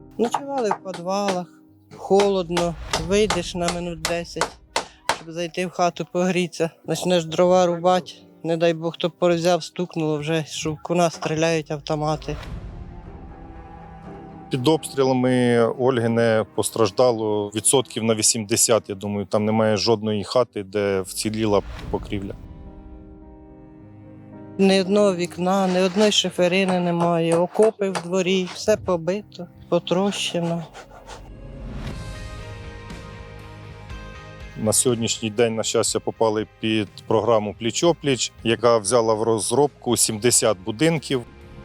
Ночували в підвалах, холодно, вийдеш на минут 10, щоб зайти в хату погрітися. Почнеш дрова рубати, не дай Бог, хто порозяв, стукнуло вже, що в нас стріляють автомати. Під обстрілами Ольгине постраждало відсотків на 80, я думаю. Там немає жодної хати, де вціліла покрівля. Ні одного вікна, ні одної шиферини немає, окопи в дворі, все побито, потрощено. На сьогоднішній день, на щастя, попали під програму «Пліч-о-пліч», яка взяла в розробку 70 будинків.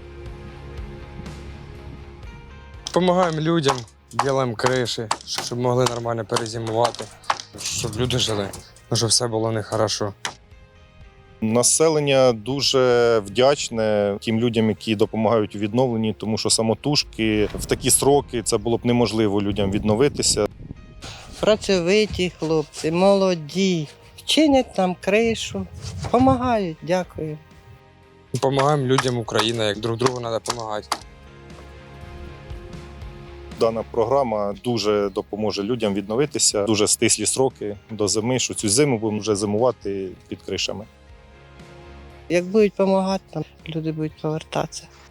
Допомагаємо людям, робимо криші, щоб могли нормально перезимувати, щоб люди жили, щоб все було нехорошо. Населення дуже вдячне тим людям, які допомагають у відновленні, тому що самотужки в такі сроки це було б неможливо людям відновитися. Працьовиті хлопці, молоді, чинять нам кришу, допомагають, дякую. Допомагаємо людям України, як друг другу треба допомагати. Дана програма дуже допоможе людям відновитися. Дуже стислі сроки до зими, що цю зиму будемо вже зимувати під кришами. Як будуть допомагати, там люди будуть повертатися.